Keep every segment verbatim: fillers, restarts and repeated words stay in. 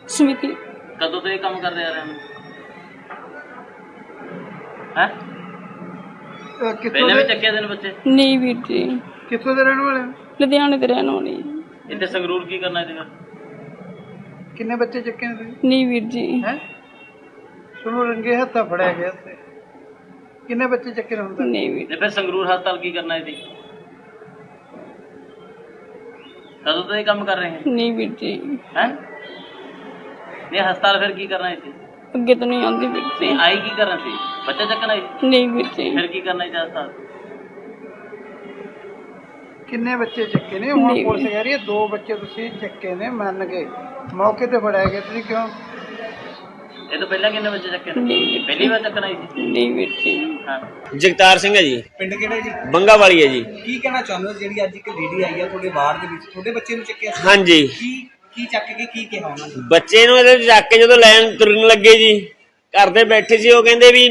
ਸਮਿਤੀ। ਕਦੋਂ ਤੋਂ ਇਹ ਕੰਮ ਕਰਦੇ ਆ ਰਹੇ ਹਨ ਹੈ? ਪਹਿਲਾਂ ਵੀ ਚੱਕਿਆ ਦਿਨ ਬੱਚੇ? ਨਹੀਂ ਵੀਰ ਜੀ। ਕਿੱਥੋਂ ਦੇ ਰਹਿਣ ਵਾਲੇ? ਲੁਧਿਆਣੇ ਦੇ ਰਹਿਣ ਵਾਲੇ। ਇੱਥੇ ਸੰਗਰੂਰ ਕੀ ਕਰਨਾ ਇਹਦੇ? ਕਿੰਨੇ ਬੱਚੇ ਚੱਕੇ ਨੇ ਤੁਸੀਂ? ਨਹੀਂ ਵੀਰ ਜੀ। ਹੈ ਸੁਣੋ ਰੰਗੇ ਹੱਥਾਂ ਫੜਿਆ ਗਿਆ ਤੇ ਕਿੰਨੇ ਬੱਚੇ ਚੱਕੇ ਨੇ ਹੁਣ ਤੱਕ? ਨਹੀਂ ਵੀਰ। ਤੇ ਫਿਰ ਸੰਗਰੂਰ ਹਸਪਤਾਲ ਕੀ ਕਰਨਾ ਇਹਦੀ? ਕਦੋਂ ਤੋਂ ਇਹ ਕੰਮ ਕਰ ਰਹੇ ਹੈ? ਨਹੀਂ ਵੀਰ ਜੀ। ਹੈ ਨਹੀਂ ਹਸਪਤਾਲ ਫਿਰ ਕੀ ਕਰਨਾ ਇੱਥੇ? ਅੱਗੇ ਤਾਂ ਨਹੀਂ ਆਉਂਦੀ ਵੀਰ ਜੀ। ਨਹੀਂ ਆਈ ਕੀ ਕਰਨਾ ਸੀ? ਬੱਚਾ ਚੱਕਣਾ ਸੀ? ਨਹੀਂ ਵੀਰ ਜੀ। ਫਿਰ ਕੀ ਕਰਨਾ ਸੀ ਹਸਪਤਾਲ? ਕਿੰਨੇ ਬੱਚੇ ਚੱਕੇ ਨੇ? ਹੁਣ ਪੁਲਿਸ ਕਹਿ ਰਹੀ ਹੈ ਦੋ ਬੱਚੇ ਤੁਸੀਂ ਚੱਕੇ ਨੇ, ਮੰਨ ਗਏ, ਮੌਕੇ ਤੇ ਫੜਾਇਆ ਗਿਆ, ਤੁਸੀਂ ਕਿਉਂ? ਇਹ ਤੋਂ ਪਹਿਲਾਂ ਕਿੰਨੇ ਬੱਚੇ ਚੱਕੇ ਨੇ? ਪਹਿਲੀ ਵਾਰ ਚੱਕਣਾ ਸੀ? ਨਹੀਂ ਵੀਰ ਜੀ। ਹਾਂ। ਜਗਤਾਰ ਸਿੰਘ ਹੈ ਜੀ। ਪਿੰਡ ਕਿਹੜਾ ਜੀ? ਬੰਗਾ ਵਾਲੀ ਹੈ ਜੀ। ਕੀ ਕਹਿਣਾ ਚਾਹੁੰਦੇ ਹੋ ਜਿਹੜੀ ਅੱਜ ਇੱਕ ਲੇਡੀ ਆਈ ਆ ਤੁਹਾਡੇ ਵਾਰਡ ਦੇ ਵਿੱਚ, ਤੁਹਾਡੇ ਬੱਚੇ ਨੂੰ ਚੱਕਿਆ ਸੀ? ਹਾਂਜੀ। ਕੀ ਕੀ ਚੱਕ ਕੇ ਕੀ ਕਿਹਾ ਉਹਨਾਂ ਨੇ? ਬੱਚੇ ਨੂੰ ਇਹਦੇ ਚੱਕ ਕੇ ਜਦੋਂ ਲੈਣ ਤੁਰਨ ਲੱਗੇ ਜੀ, ਘਰ ਦੇ ਬੈਠੇ ਸੀ, ਉਹ ਕਹਿੰਦੇ ਵੀ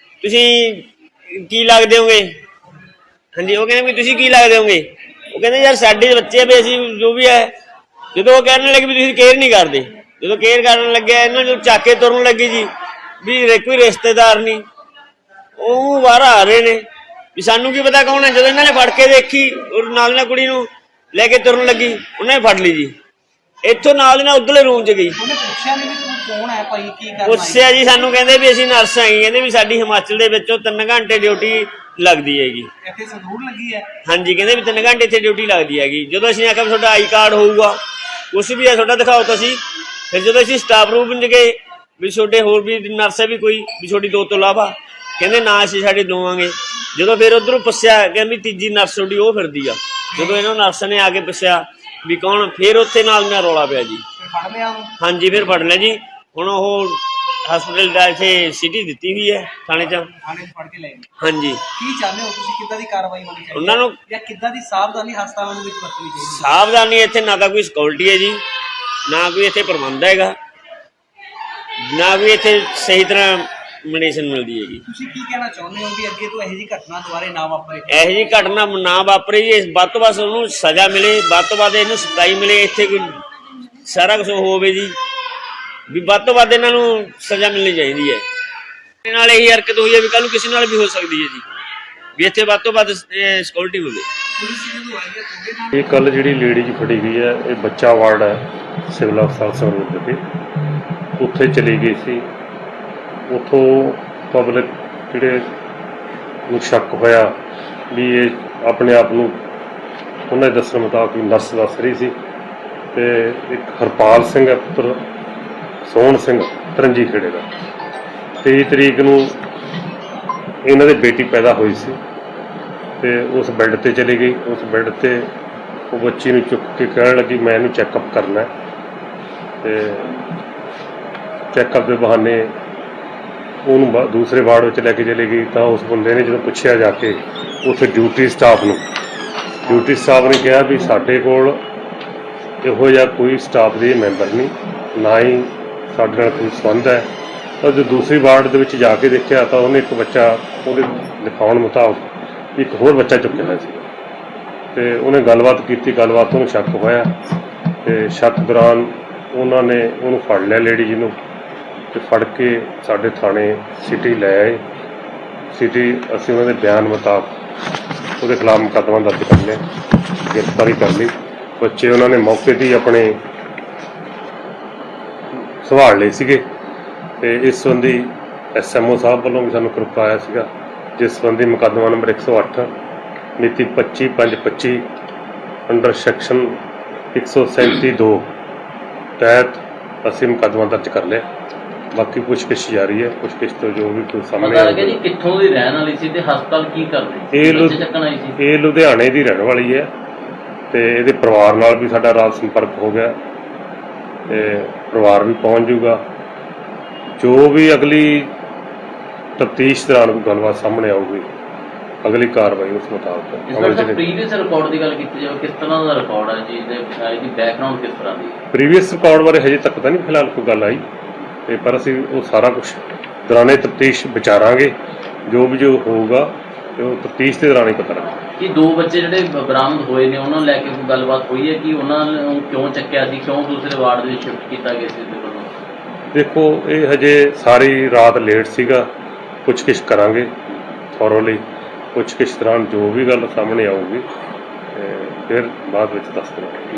ਤੁਸੀਂ ਕੀ ਲੱਗਦੇ ਹੋਗੇ? ਹਾਂਜੀ, ਉਹ ਕਹਿੰਦੇ ਵੀ ਤੁਸੀਂ ਕੀ ਲੱਗਦੇ ਹੋਗੇ? ਉਹ ਕਹਿੰਦੇ ਯਾਰ ਸਾਡੇ ਬੱਚੇ ਵੀ ਅਸੀਂ ਜੋ ਵੀ ਹੈ। ਜਦੋਂ ਉਹ ਕਹਿਣ ਲੱਗੇ ਵੀ ਤੁਸੀਂ ਕੇਅਰ ਨਹੀਂ ਕਰਦੇ, ਜਦੋਂ ਕੇਅਰ ਕਰਨ ਲੱਗਿਆ ਇਹਨਾਂ ਨੂੰ ਚੱਕ ਕੇ ਤੁਰਨ ਲੱਗੀ ਜੀ ਵੀ ਕੋਈ ਰਿਸ਼ਤੇਦਾਰ ਨਹੀਂ, ਉਹ ਬਾਹਰ ਆ ਰਹੇ ਨੇ ਵੀ ਸਾਨੂੰ ਕੀ ਪਤਾ ਕੌਣ ਹੈ। ਜਦੋਂ ਇਹਨਾਂ ਨੇ ਫੜ ਕੇ ਦੇਖੀ ਔਰ ਨਾਲ ਨਾਲ ਕੁੜੀ ਨੂੰ ਲੈ ਕੇ ਤੁਰਨ ਲੱਗੀ, ਉਹਨਾਂ ਨੇ ਫੜ ਲਈ ਜੀ। ਇੱਥੋਂ ਨਾਲ ਦੀ ਨਾਲ ਉਧਰਲੇ ਰੂਮ 'ਚ ਗਈ। ਉਹਨੇ ਪੁੱਛਿਆ ਨਹੀਂ ਵੀ ਤੂੰ ਕੌਣ ਹੈ ਭਾਈ, ਕੀ ਕਰਨਾ? ਪੁੱਛਿਆ ਜੀ, ਸਾਨੂੰ ਕਹਿੰਦੇ ਵੀ ਅਸੀਂ ਨਰਸ ਆਈ, ਕਹਿੰਦੇ ਵੀ ਸਾਡੀ ਹਿਮਾਚਲ ਦੇ ਵਿੱਚੋਂ ਤਿੰਨ ਘੰਟੇ ਡਿਊਟੀ ਲੱਗਦੀ ਹੈਗੀ। ਇੱਥੇ ਸੰਗਰੂਰ ਲੱਗੀ ਹੈ? ਹਾਂਜੀ, ਕਹਿੰਦੇ ਵੀ ਤਿੰਨ ਘੰਟੇ ਇੱਥੇ ਡਿਊਟੀ ਲੱਗਦੀ ਹੈਗੀ। ਜਦੋਂ ਅਸੀਂ ਆਖਿਆ ਵੀ ਤੁਹਾਡਾ ਆਈ ਕਾਰਡ ਹੋਊਗਾ, ਕੁਛ ਵੀ ਹੈ ਤੁਹਾਡਾ ਦਿਖਾਓ ਤੁਸੀਂ। ਫਿਰ ਜਦੋਂ ਅਸੀਂ ਸਟਾਫ ਰੂਮ 'ਚ ਗਏ ਵੀ ਤੁਹਾਡੇ ਹੋਰ ਵੀ ਨਰਸ ਹੈ ਵੀ ਕੋਈ ਵੀ ਤੁਹਾਡੀ ਦੋ ਤੋਂ ਇਲਾਵਾ, ਕਹਿੰਦੇ ਨਾ ਅਸੀਂ ਸਾਡੇ ਦਵਾਂਗੇ। ਜਦੋਂ ਫਿਰ ਉਧਰੋਂ ਪੁੱਛਿਆ ਕਹਿੰਦੀ ਤੀਜੀ ਨਰਸ ਤੁਹਾਡੀ ਉਹ ਫਿਰਦੀ ਆ। ਜਦੋਂ ਇਹਨਾਂ ਨਰਸ ਨੇ ਆ ਕੇ ਪੁੱਛਿਆ ਵੀ ਕੌਣ, ਫਿਰ ਉੱਥੇ ਨਾਲ ਨਾਲ ਰੌਲਾ ਪਿਆ ਜੀ। ਫੜ ਲਿਆ ਉਹਨੂੰ? ਹਾਂਜੀ, ਫਿਰ ਫੜ ਲਿਆ ਜੀ। ਹੁਣ ਉਹ ਹਸਪੀਟਲ ਦਾ ਇੱਥੇ ਸਿਟੀ ਦਿੱਤੀ ਹੋਈ ਹੈ ਥਾਣੇ 'ਚ। ਥਾਣੇ 'ਚ ਫੜ ਕੇ ਲੈ ਗਏ? ਹਾਂਜੀ। ਕੀ ਚਾਹੁੰਦੇ ਹੋ ਤੁਸੀਂ, ਕਿੱਦਾਂ ਦੀ ਕਾਰਵਾਈ ਹੋਣੀ ਚਾਹੀਦੀ ਉਹਨਾਂ ਨੂੰ ਜਾਂ ਕਿੱਦਾਂ ਦੀ ਸਾਵਧਾਨੀ ਹਸਪਤਾਲਾਂ ਦੇ ਵਿੱਚ ਵਰਤਣੀ ਚਾਹੀਦੀ? ਸਾਵਧਾਨੀ ਇੱਥੇ ਨਾ ਤਾਂ ਕੋਈ ਸਿਕਿਉਰਿਟੀ ਹੈ ਜੀ, ਨਾ ਕੋਈ ਇੱਥੇ ਪ੍ਰਬੰਧ ਹੈਗਾ, ਨਾ ਕੋਈ ਇੱਥੇ ਸਹੀ ਤਰ੍ਹਾਂ ਮੈਡੀਸਨ ਮਿਲਦੀ ਹੈਗੀ। ਤੁਸੀਂ ਕੀ ਕਹਿਣਾ ਚਾਹੁੰਦੇ ਹੋ ਵੀ ਅੱਗੇ ਤੋਂ ਇਹੋ ਜਿਹੀ ਘਟਨਾ ਦੁਬਾਰੇ ਨਾ ਵਾਪਰੇ? ਇਹੋ ਜਿਹੀ ਘਟਨਾ ਨਾ ਵਾਪਰੇ ਜੀ। ਵੱਧ ਤੋਂ ਵੱਧ ਉਹਨੂੰ ਸਜ਼ਾ ਮਿਲੇ, ਵੱਧ ਤੋਂ ਵੱਧ ਇਹਨੂੰ ਸਤਾਈ ਮਿਲੇ, ਇੱਥੇ ਕੋਈ ਸਾਰਾ ਕੁਝ ਹੋਵੇ ਜੀ ਵੀ ਵੱਧ ਤੋਂ ਵੱਧ ਇਹਨਾਂ ਨੂੰ ਸਜ਼ਾ ਮਿਲਣੀ ਚਾਹੀਦੀ ਹੈ। ਇਹਦੇ ਨਾਲ ਇਹੀ ਹਰਕਤ ਹੋਈ ਹੈ ਵੀ ਕੱਲ ਨੂੰ ਕਿਸੇ ਨਾਲ ਵੀ ਹੋ ਸਕਦੀ ਹੈ ਜੀ, ਵੀ ਇੱਥੇ ਵੱਧ ਤੋਂ ਵੱਧ ਸਿਕਿਉਰਿਟੀ ਹੋਵੇ। ਇਹ ਕੱਲ ਜਿਹੜੀ ਲੇਡੀ ਜੀ ਫੜੀ ਗਈ ਹੈ, ਇਹ ਬੱਚਾ ਵਾਰਡ ਹੈ ਸਿਵਲ ਹਸਪਤਾਲ ਸੰਗਰੂਰ ਵਿਖੇ। ਉੱਥੇ ਚਲੀ ਗਈ ਸੀ। ਉੱਥੋਂ ਪਬਲਿਕ ਜਿਹੜੇ ਨੂੰ ਸ਼ੱਕ ਹੋਇਆ ਵੀ ਇਹ ਆਪਣੇ ਆਪ ਨੂੰ ਉਹਨਾਂ ਦੇ ਦੱਸਣ ਮੁਤਾਬਕ ਨਰਸ ਦੱਸ ਰਹੀ ਸੀ। ਤੇ ਇੱਕ ਹਰਪਾਲ ਸਿੰਘ ਹੈ ਪੁੱਤਰ ਸੋਹਣ ਸਿੰਘ ਤਰੰਜੀ ਖੇੜੇ ਦਾ। ਤੇਈ ਤਰੀਕ ਨੂੰ ਇਹਨਾਂ ਦੇ ਬੇਟੀ ਪੈਦਾ ਹੋਈ ਸੀ ਤੇ ਉਸ ਬੈੱਡ ਤੇ ਚਲੀ ਗਈ। ਉਸ ਬੈੱਡ ਤੇ ਉਹ ਬੱਚੀ ਨੂੰ ਚੁੱਕ ਕੇ ਕਹਿਣ ਲੱਗੀ ਮੈਂ ਇਹਨੂੰ ਚੈੱਕਅਪ ਕਰਨਾ। ਤੇ ਚੈੱਕਅਪ ਦੇ ਬਹਾਨੇ ਉਹਨੂੰ ਦੂਸਰੇ ਵਾਰਡ ਵਿੱਚ ਲੈ ਕੇ ਚਲੀ ਗਈ। ਤਾਂ ਉਸ ਬੰਦੇ ਨੇ ਜਦੋਂ ਪੁੱਛਿਆ ਜਾ ਕੇ ਉੱਥੇ ਡਿਊਟੀ ਸਟਾਫ ਨੂੰ, ਡਿਊਟੀ ਸਟਾਫ ਨੇ ਕਿਹਾ ਵੀ ਸਾਡੇ ਕੋਲ ਇਹੋ ਜਿਹਾ ਕੋਈ ਸਟਾਫ ਦੇ ਮੈਂਬਰ ਨਹੀਂ, ਨਾ ਹੀ ਸਾਡੇ ਨਾਲ ਕੋਈ ਸੰਬੰਧ ਹੈ। ਤਾਂ ਜਦੋਂ ਦੂਸਰੀ ਵਾਰਡ ਦੇ ਵਿੱਚ ਜਾ ਕੇ ਦੇਖਿਆ ਤਾਂ ਉਹਨੇ ਇੱਕ ਬੱਚਾ, ਉਹਦੇ ਦਿਖਾਉਣ ਮੁਤਾਬਕ ਇੱਕ ਹੋਰ ਬੱਚਾ ਚੁੱਕਿਆ ਹੋਇਆ ਸੀ। ਤੇ ਉਹਨੇ ਗੱਲਬਾਤ ਕੀਤੀ, ਗੱਲਬਾਤ ਉਹਨੂੰ ਸ਼ੱਕ ਹੋਇਆ ਤੇ ਸ਼ੱਕ ਦੌਰਾਨ ਉਹਨਾਂ ਨੇ ਉਹਨੂੰ ਫੜ ਲਿਆ ਲੇਡੀ ਜੀ ਨੂੰ ਤੇ ਫੜ ਕੇ ਸਾਡੇ ਥਾਣੇ ਸਿਟੀ ਲੈ ਆਏ। ਸਿਟੀ ਅਸੀਂ ਉਹਨਾਂ ਦੇ ਬਿਆਨ ਮੁਤਾਬਕ ਉਹਦੇ ਖਿਲਾਫ ਮੁਕੱਦਮਾ ਦਰਜ ਕਰ ਲਿਆ, ਗ੍ਰਿਫਤਾਰੀ ਕਰ ਲਈ। ਬੱਚੇ ਉਹਨਾਂ ਨੇ ਮੌਕੇ 'ਤੇ ਹੀ ਆਪਣੇ ਸੰਭਾਲ ਲਏ ਸੀਗੇ। ਤੇ ਇਸ ਸੰਬੰਧੀ ਐਸ ਐਮ ਓ ਸਾਹਿਬ ਵੱਲੋਂ ਵੀ ਸਾਨੂੰ ਕਿਰਪਾ ਆਇਆ ਸੀਗਾ, ਜਿਸ ਸੰਬੰਧੀ ਮੁਕੱਦਮਾ ਨੰਬਰ ਇੱਕ ਸੌ ਅੱਠ ਮਿਤੀ ਪੱਚੀ ਪੰਜ ਪੱਚੀ ਅੰਡਰ ਸੈਕਸ਼ਨ ਇੱਕ ਸੌ ਸੈਂਤੀ ਦੋ ਤਹਿਤ ਅਸੀਂ ਮੁਕੱਦਮਾ ਦਰਜ ਕਰ ਲਿਆ। ਬਾਕੀ ਪੁੱਛਗਿੱਛ ਜਾਰੀ ਹੈ। ਪੁੱਛਗਿੱਛ ਤੋਂ ਜੋ ਵੀ ਕੋਈ ਸਾਹਮਣੇ ਆਏਗਾ। ਜੀ ਕਿੱਥੋਂ ਦੀ ਰਹਿਣ ਵਾਲੀ ਸੀ ਤੇ ਹਸਪਤਾਲ ਕੀ ਕਰਦੀ? ਇਹ ਬੱਚੇ ਚੱਕਣ ਆਈ ਸੀ? ਇਹ ਲੁਧਿਆਣੇ ਦੀ ਰਹਿਣ ਵਾਲੀ ਹੈ ਤੇ ਇਹਦੇ ਪਰਿਵਾਰ ਨਾਲ ਵੀ ਸਾਡਾ ਰਾਤ ਸੰਪਰਕ ਹੋ ਗਿਆ ਤੇ ਪਰਿਵਾਰ ਵੀ ਪਹੁੰਚ ਜੂਗਾ। ਜੋ ਵੀ ਅਗਲੀ ਤਫਤੀਸ਼ ਦੌਰਾਨ ਕੋਈ ਗੱਲਬਾਤ ਸਾਹਮਣੇ ਆਊਗੀ, ਅਗਲੀ ਕਾਰਵਾਈ ਉਸ ਮੁਤਾਬਕ ਅਮਲ ਚ। ਪ੍ਰੀਵੀਅਸ ਰਿਕਾਰਡ ਦੀ ਗੱਲ ਕੀਤੀ ਜਾਵੇ, ਕਿਸ ਤਰ੍ਹਾਂ ਦਾ ਰਿਕਾਰਡ ਹੈ ਜੀ, ਇਹਦੀ ਬੈਕਗ੍ਰਾਉਂਡ ਕਿਸ ਤਰ੍ਹਾਂ ਦੀ? ਪ੍ਰੀਵੀਅਸ ਰਿਕਾਰਡ ਬਾਰੇ ਹਜੇ ਤੱਕ ਤਾਂ ਨਹੀਂ ਫਿਲਹਾਲ ਕੋਈ ਗੱਲ ਆਈ ਤੇ ਪਰ ਅਸੀਂ ਉਹ ਸਾਰਾ ਕੁਝ ਦੌਰਾਨੇ ਤਫਤੀਸ਼ ਵਿਚਾਰਾਂਗੇ। ਜੋ ਵੀ ਜੋ ਹੋਊਗਾ ਤੇ ਉਹ ਤਫਤੀਸ਼ ਦੇ ਦੌਰਾਨ ਹੀ ਪਤਾ ਲੱਗੇਗਾ। ਕਿ ਦੋ ਬੱਚੇ ਜਿਹੜੇ ਬਰਾਮਦ ਹੋਏ ਨੇ ਉਹਨਾਂ ਨੂੰ ਲੈ ਕੇ ਕੋਈ ਗੱਲਬਾਤ ਹੋਈ ਹੈ ਕਿ ਉਹਨਾਂ ਨੂੰ ਕਿਉਂ ਚੱਕਿਆ ਸੀ, ਕਿਉਂ ਦੂਸਰੇ ਵਾਰਡ ਦੇ ਵਿੱਚ ਸ਼ਿਫਟ ਕੀਤਾ ਗਿਆ ਸੀ? ਦੇਖੋ ਇਹ ਹਜੇ ਸਾਰੀ ਰਾਤ ਲੇਟ ਸੀਗਾ, ਪੁੱਛਗਿੱਛ ਕਰਾਂਗੇ ਥੋਰੋਲੀ। ਪੁੱਛਗਿੱਛ ਦੌਰਾਨ ਜੋ ਵੀ ਗੱਲ ਸਾਹਮਣੇ ਆਊਗੀ ਤੇ ਫਿਰ ਬਾਅਦ ਵਿੱਚ ਦੱਸ ਦੇਵਾਂਗੇ।